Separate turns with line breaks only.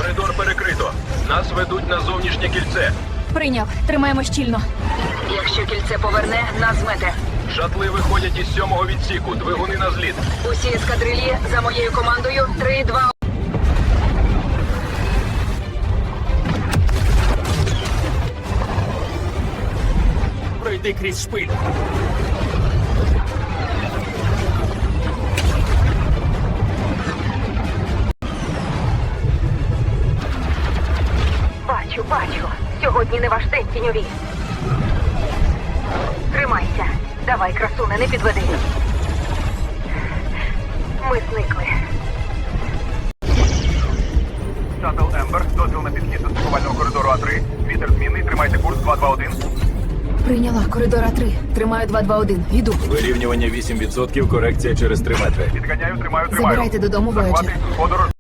Коридор перекрито. Нас ведуть на зовнішнє кільце.
Прийняв. Тримаємо щільно.
Якщо кільце поверне, нас змете.
Шатли виходять із 7-го відсіку. Двигуни на зліт.
Усі ескадрильї за моєю командою. 3, 2,
Пройди крізь шпиль.
Бачу. Сьогодні не ваш день, тіньові. Тримайся. Давай, красуне, не підведи. Ми зникли.
Шаттл Ембер, дозвіл на підхід до стикувального коридору А3. Вітер змінний, тримайте курс 221.
Прийняла. Коридора 3. Тримаю 221. Йду.
Вирівнювання 8%, корекція через 3 метри.
Підганяю, тримаю.
Забирайте додому,
Захвати,
Voyager.
подорож.